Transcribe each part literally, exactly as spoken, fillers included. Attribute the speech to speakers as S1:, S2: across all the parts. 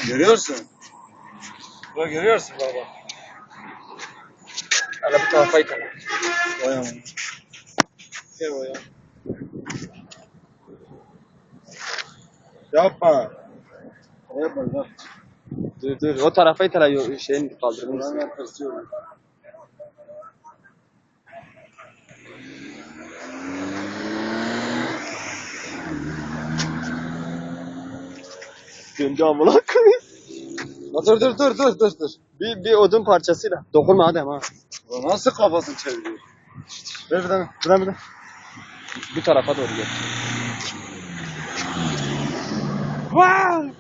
S1: Görüyorsun. Bak görüyorsun baba.
S2: Hala bu tarafa italım.
S1: Vay aman.
S2: Gel oraya.
S1: Yapma. Yapma yapma.
S2: Dur dur. O tarafa italım. Şeyin kaldırmış.
S1: Buranın arkası yok.
S2: Döndü amına koyayım.
S1: Dur dur dur dur dur dur.
S2: Bir, bir odun parçasıyla. Dokunma Adem ha.
S1: Bu nasıl kafasını çeviriyor? Ver bir tane. Bir tane bir tane.
S2: Bu tarafa doğru gel.
S1: Wow!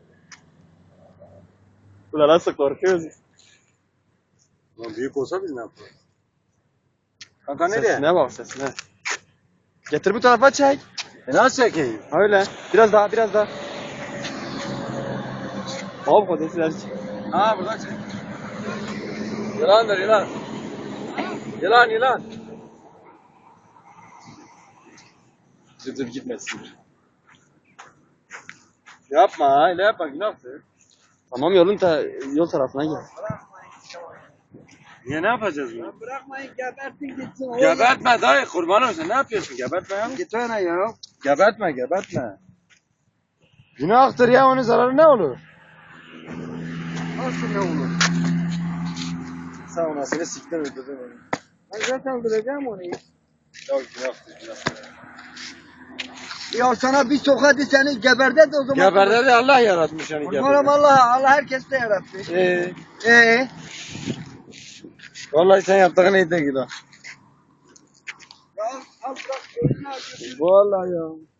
S2: Ulan nasıl korkuyoruz?
S1: Lan büyük olsa biz ne yaparız? Kanka nereye?
S2: Sesine bak sesine. Getir bu tarafa çek.
S1: E nasıl çekeyim?
S2: Öyle. Biraz daha biraz daha. Abi kodesiler çek.
S1: Ha buradan çek. Yılandır yılan. Yılan yılan. Dur dur gitmesin. Yapma öyle yapma günahtır.
S2: Tamam yolun ta yol tarafına gel.
S1: Niye ne yapacağız bunu?
S3: Bırakmayın gebertin gitsin.
S1: Gebertme dayı kurban olsun ne yapıyorsun gebertme ya.
S3: Git öyle ya.
S1: Gebertme gebertme. Günahtır ya onun zararı ne olur?
S3: Nasıl ne olur?
S1: Sağ ol seni siktir öldürdüm onu.
S3: Ben zaten öldüreceğim onu.
S1: Ya günahtır günahtır.
S3: Ya sana bir tokadı seni geberde de o zaman.
S1: Geberde de Allah yaratmış yani
S3: Kurbanım
S1: geberde.
S3: Allah. Allah herkes de yarattı.
S1: Ee,
S3: Ee?
S1: vallahi sen yaptığın neydi günah.
S3: Ya al bırak. Ölüne acıyorsun.
S1: Vallahi ya.